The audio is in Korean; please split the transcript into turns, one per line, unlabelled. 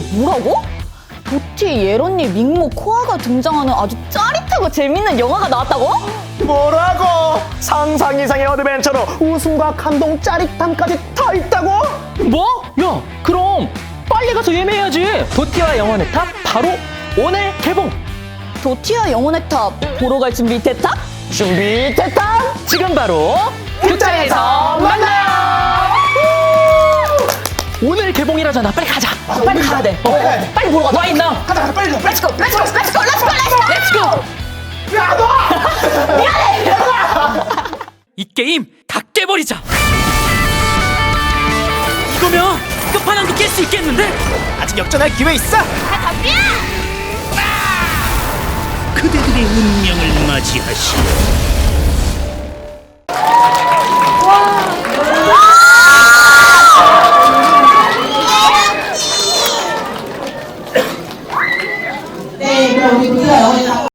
뭐라고? 도티, 예런니, 밍모, 코아가 등장하는 아주 짜릿하고 재밌는 영화가 나왔다고?
뭐라고? 상상 이상의 어드벤처로 웃음과 감동, 짜릿함까지 다 있다고?
뭐? 야, 그럼 빨리 가서 예매해야지. 도티와 영혼의 탑 바로 오늘 개봉.
도티와 영혼의 탑 보러 갈 준비 됐다?
준비됐다!
지금 바로 극장에서 만나요. 오늘 개봉이라잖아. 빨리 가자.
빨리 가야 돼. 빨리 보러 가자.
와 있나?
가자, 빨리 가.
렛츠고, 렛츠고, 렛츠고, 렛츠고, 렛츠고.
야, 너!
이 게임 다 깨버리자. 이거면 끝판왕도 깰 수 있겠는데?
아직 역전할 기회 있어!
그대들의 운명을 맞이하시오.